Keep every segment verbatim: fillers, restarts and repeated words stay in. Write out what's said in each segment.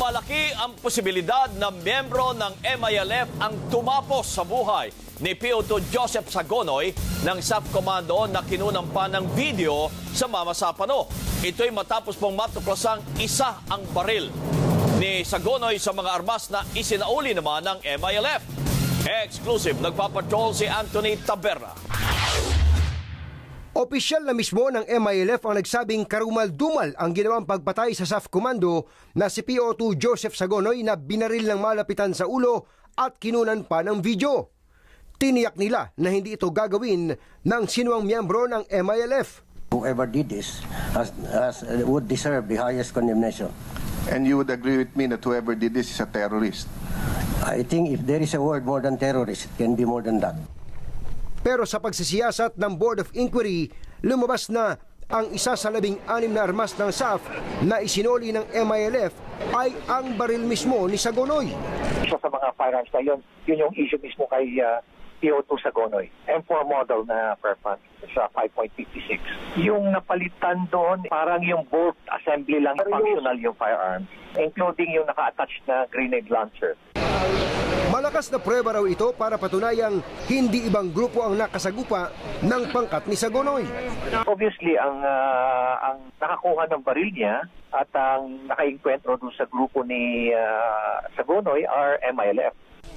Malaki ang posibilidad na miyembro ng M I L F ang tumapos sa buhay ni P O two Joseph Sagonoy ng S A F Commando na kinunampan ng video sa Mama Sapano. Ito'y matapos pong matuklasang isa ang baril ni Sagonoy sa mga armas na isinauli naman ng M I L F. Exclusive, nagpapatrol si Anthony Taberna. Opisyal na mismo ng M I L F ang nagsabing karumal-dumal ang ginawang pagpatay sa S A F Commando na si P O two Joseph Sagonoy na binaril ng malapitan sa ulo at kinunan pa ng video. Tiniyak nila na hindi ito gagawin ng sinuang miyembro ng M I L F. Whoever did this has, has, would deserve the highest condemnation. And you would agree with me that whoever did this is a terrorist? I think if there is a word more than terrorist, it can be more than that. Pero sa pagsisiyasat ng Board of Inquiry, lumabas na ang isa sa labing anim na armas ng S A F na isinoli ng M I L F ay ang baril mismo ni Sagonoy. Isa sa mga firearms na yun, yun yung issue mismo kay uh, P O two Sagonoy. M four model na perform sa five point five six. Yung napalitan doon, parang yung bolt assembly lang functional yung firearm, including yung naka-attach na grenade launcher. Malakas na prueba raw ito para patunayang hindi ibang grupo ang nakasagupa ng pangkat ni Sagonoy. Obviously, ang uh, ang nakakuha ng baril niya at ang nakainkwentro doon sa grupo ni uh, Sagonoy are M I L F.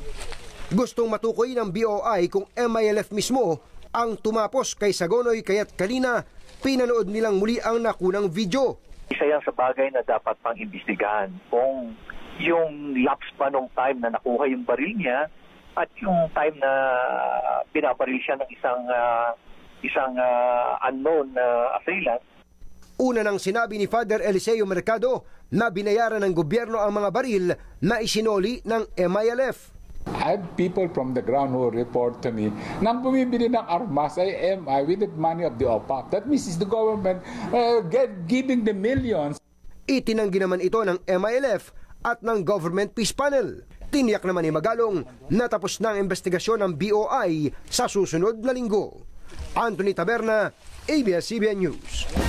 Gustong matukoy ng B O I kung M I L F mismo ang tumapos kay Sagonoy kaya't kanina pinanood nilang muli ang nakunang video. Isa yan sa bagay na dapat pang imbestigahan kung yung lapse pa nung time na nakuha yung baril niya at yung time na pinabaril siya ng isang uh, isang uh, unknown uh, assailant. Una nang sinabi ni Father Eliseo Mercado na binayaran ng gobyerno ang mga baril na isinoli ng M I L F. I have people from the ground who report to me nang bumibili ng armas ay M I with the money of the O P A C. That means is the government uh, get, giving the millions. Itinanggi naman ito ng M I L F at ng Government Peace Panel. Tiniyak naman ni Magalong na tapos na ang investigasyon ng B O I sa susunod na linggo. Anthony Taberna, A B S C B N News.